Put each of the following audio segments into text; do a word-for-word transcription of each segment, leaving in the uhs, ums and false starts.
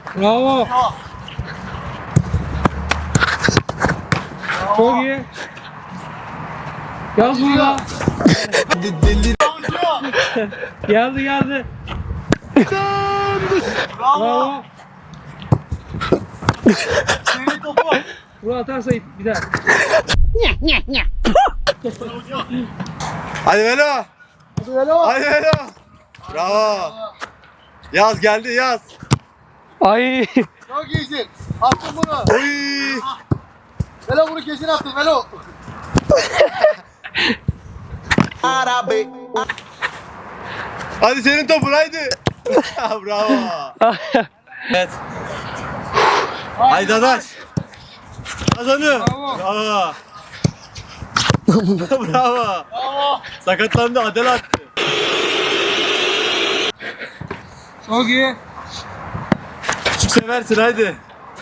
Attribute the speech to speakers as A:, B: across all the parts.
A: Bravo. Çok iyi. Yaz burada. Geldi geldi. Bravo.
B: Senin topu.
A: Bunu atarsa bir daha.
C: Hadi Velo.
B: Hadi Velo.
C: Hadi Velo. Bravo. Yaz geldi yaz.
A: Ay.
B: Çok iyisin. Attın bunu.
C: Oy.
B: Velo bunu kesin attın Velo.
C: Hadi senin topun haydi. Bravo. Evet. Haydi Dadaş. Kazanıyor.
A: Bravo.
C: Bravo. Bravo.
B: Bravo.
C: Sakatlandı, Adel attı.
A: Çok iyi.
C: Küçük seversin haydi.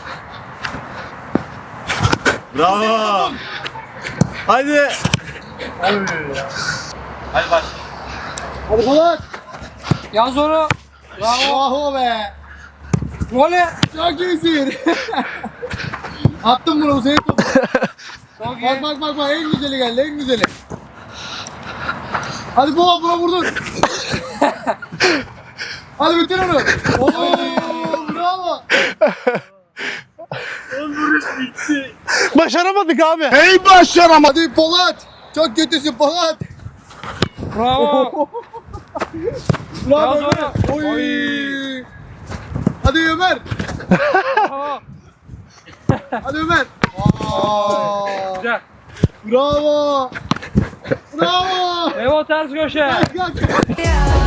C: Bravo. Haydi. Hadi baş.
B: Hadi Polat.
A: Yaz onu. Bravo.
B: Bravo be.
A: Voley.
B: Çok iyisin. Attın bunu bu senin topu.
A: Çok
B: Bak
A: iyi.
B: bak bak bak en güzeli geldi en güzeli. Hadi Polat buna vurdun. Hadi bitir onu. Oo bravo.
C: Başaramadık abi.
B: Hey başaramadım. Hadi Polat. Çok kötüsün Polat.
A: Bravo.
B: Bravo
A: Yaz
B: Ömer.
A: onu.
B: Oy.
A: Oy.
B: Hadi Ömer.
A: Bravo.
B: Hadi Ömer. Aa,
A: Güzel.
B: bravo. Bravo.
A: Evo ters köşe.
B: Kalk kalk.
D: Yeah.